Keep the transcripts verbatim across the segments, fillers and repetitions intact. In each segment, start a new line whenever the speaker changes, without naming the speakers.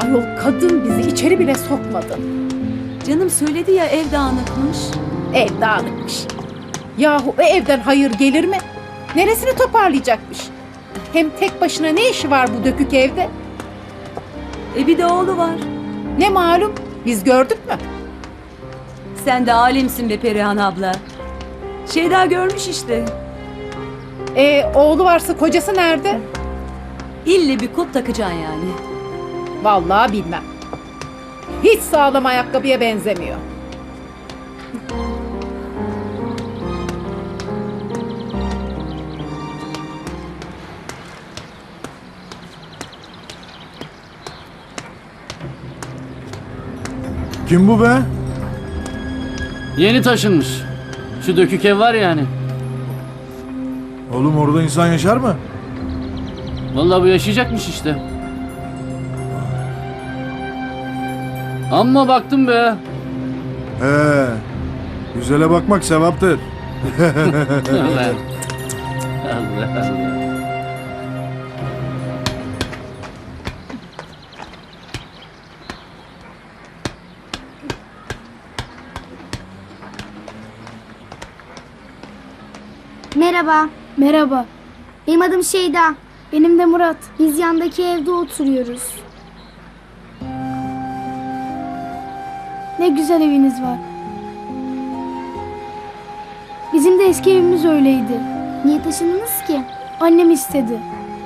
Ayol kadın bizi içeri bile sokmadı.
Canım söyledi ya ev dağınıkmış.
Ev dağınıkmış. Yahu o evden hayır gelir mi? Neresini toparlayacakmış? Hem tek başına ne işi var bu dökük evde?
E bir de oğlu var.
Ne malum, biz gördük mü?
Sen de alemsin be Perihan abla. Şeyda görmüş işte.
E oğlu varsa kocası nerede?
İlle bir kot takacaksın yani.
Vallahi bilmem. Hiç sağlam ayakkabıya benzemiyor.
Kim bu be?
Yeni taşınmış. Şu dökük ev var yani.
Oğlum orada insan yaşar mı?
Vallahi bu yaşayacakmış işte. Amma baktım be.
He. Güzele bakmak sevaptır.
Allah Allah. Allah.
Merhaba.
Merhaba,
Benim adım Şeyda.
benim de Murat.
Biz yandaki evde oturuyoruz.
Ne güzel eviniz var. Bizim de eski evimiz öyleydi.
Niye taşındınız ki?
Annem istedi.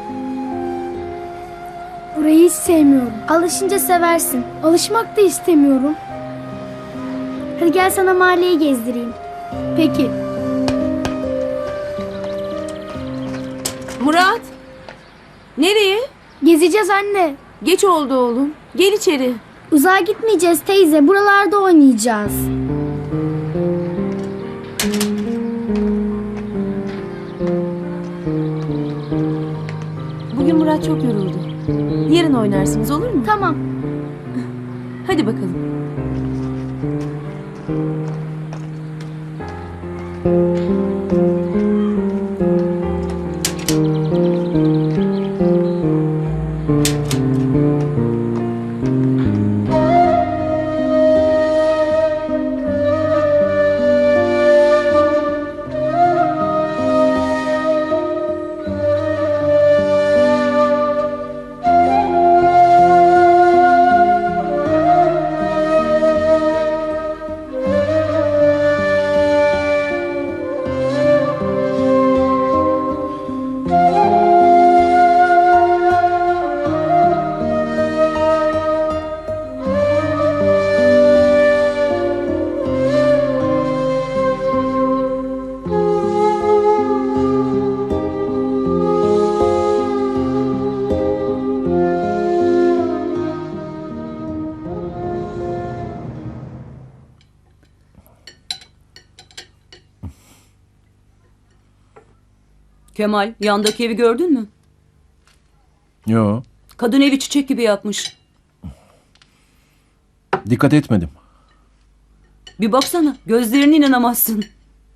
Burayı hiç sevmiyorum.
Alışınca seversin.
Alışmak da istemiyorum.
Hadi gel sana mahalleyi gezdireyim.
Peki,
Murat. Nereye?
gezeceğiz anne.
Geç oldu oğlum. Gel içeri.
Uzağa gitmeyeceğiz teyze. Buralarda oynayacağız.
Bugün Murat çok yoruldu. Yarın oynarsınız olur mu?
Tamam.
Hadi bakalım. Kemal, yandaki evi gördün mü?
Yo,
Kadın evi çiçek gibi yapmış.
dikkat etmedim.
Bir baksana, gözlerine inanamazsın.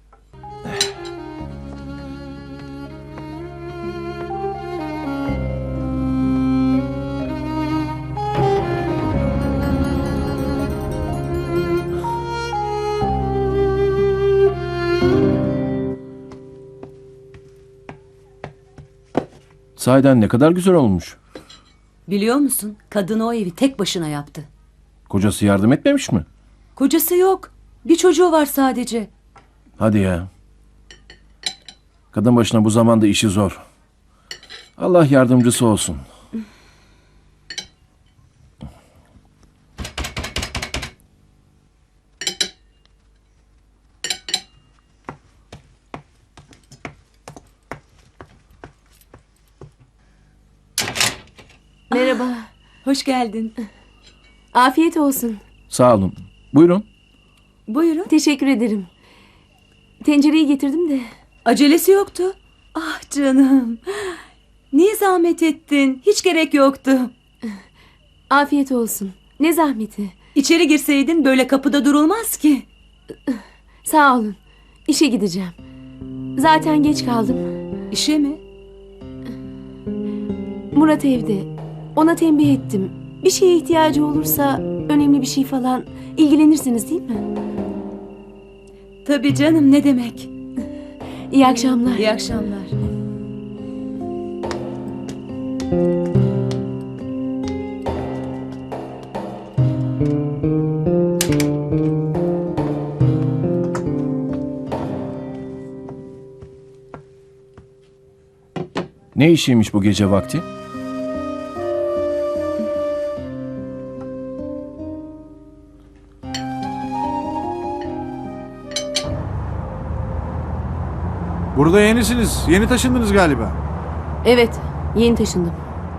Sahiden ne kadar güzel olmuş.
Biliyor musun? Kadın o evi tek başına yaptı.
Kocası yardım etmemiş mi?
Kocası yok. Bir çocuğu var sadece.
Hadi ya. Kadın başına bu zamanda işi zor. Allah yardımcısı olsun.
Merhaba. Hoş geldin.
Afiyet olsun.
Sağ olun. Buyurun.
Buyurun.
Teşekkür ederim. Tencereyi getirdim de.
Acelesi yoktu. Ah canım. Niye zahmet ettin? Hiç gerek yoktu.
Afiyet olsun. Ne zahmeti.
İçeri girseydin böyle kapıda durulmaz ki.
Sağ olun. İşe gideceğim. Zaten geç kaldım.
İşe mi?
Murat evde. Ona tembih ettim. Bir şeye ihtiyacı olursa, önemli bir şey falan ilgilenirsiniz değil mi?
Tabii canım, ne demek.
İyi akşamlar.
İyi akşamlar.
Ne işiymiş bu gece vakti?
Burada yenisiniz. Yeni taşındınız galiba.
Evet, yeni taşındım.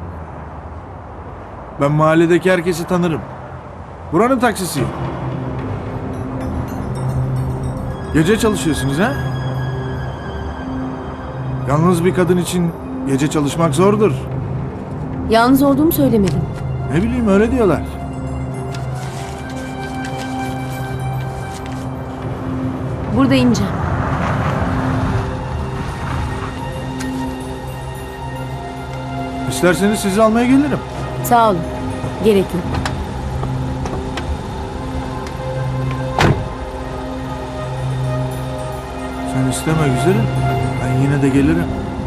Ben mahalledeki herkesi tanırım. Buranın taksisiyim. Gece çalışıyorsunuz ha? Yalnız bir kadın için gece çalışmak zordur.
Yalnız olduğumu söylemedim.
Ne bileyim öyle diyorlar.
Burada ineceğim.
İsterseniz sizi almaya gelirim.
Sağ olun. Gerek yok.
Sen isteme güzelim. Ben yine de gelirim.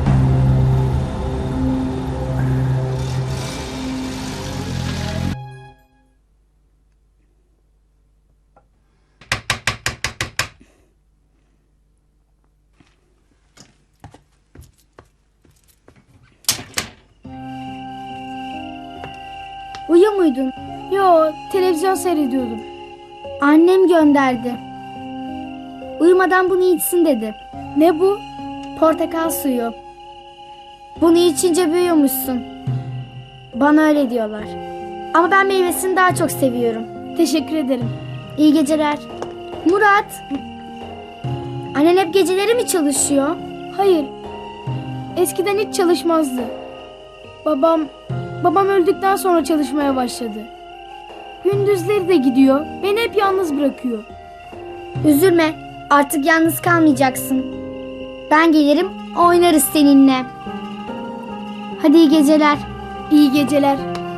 Uyuyor muydun? Yo, televizyon seyrediyordum. Annem gönderdi. Uyumadan bunu içsin dedi. Ne bu? Portakal suyu. Bunu içince büyüyormuşsun. Bana öyle diyorlar. Ama ben meyvesini daha çok seviyorum. Teşekkür ederim. İyi geceler. Murat. Annen hep geceleri mi çalışıyor? Hayır. Eskiden hiç çalışmazdı. Babam babam öldükten sonra çalışmaya başladı. Gündüzleri de gidiyor. Beni hep yalnız bırakıyor. Üzülme. Artık yalnız kalmayacaksın. Ben gelirim, oynarız seninle. Hadi iyi geceler. İyi geceler.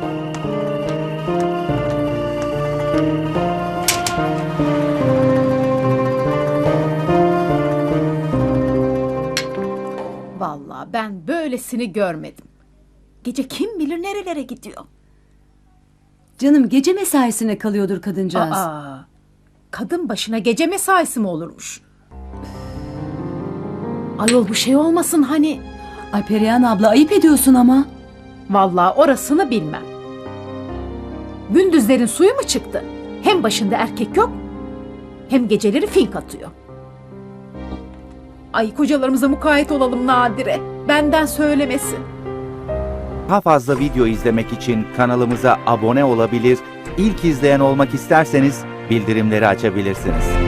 Vallahi ben böylesini görmedim. Gece kim bilir nerelere gidiyor.
Canım, gece mesaisine kalıyordur kadıncağız.
Aa, kadın başına gece mesaisi mi olurmuş? Ayol bu şey olmasın hani.
Ay Perihan abla, ayıp ediyorsun ama.
Vallahi orasını bilmem. Gündüzlerin suyu mu çıktı? Hem başında erkek yok, hem geceleri fink atıyor. Ay kocalarımıza mukayyet olalım Nadire. Benden söylemesin.
Daha fazla video izlemek için kanalımıza abone olabilir, ilk izleyen olmak isterseniz bildirimleri açabilirsiniz.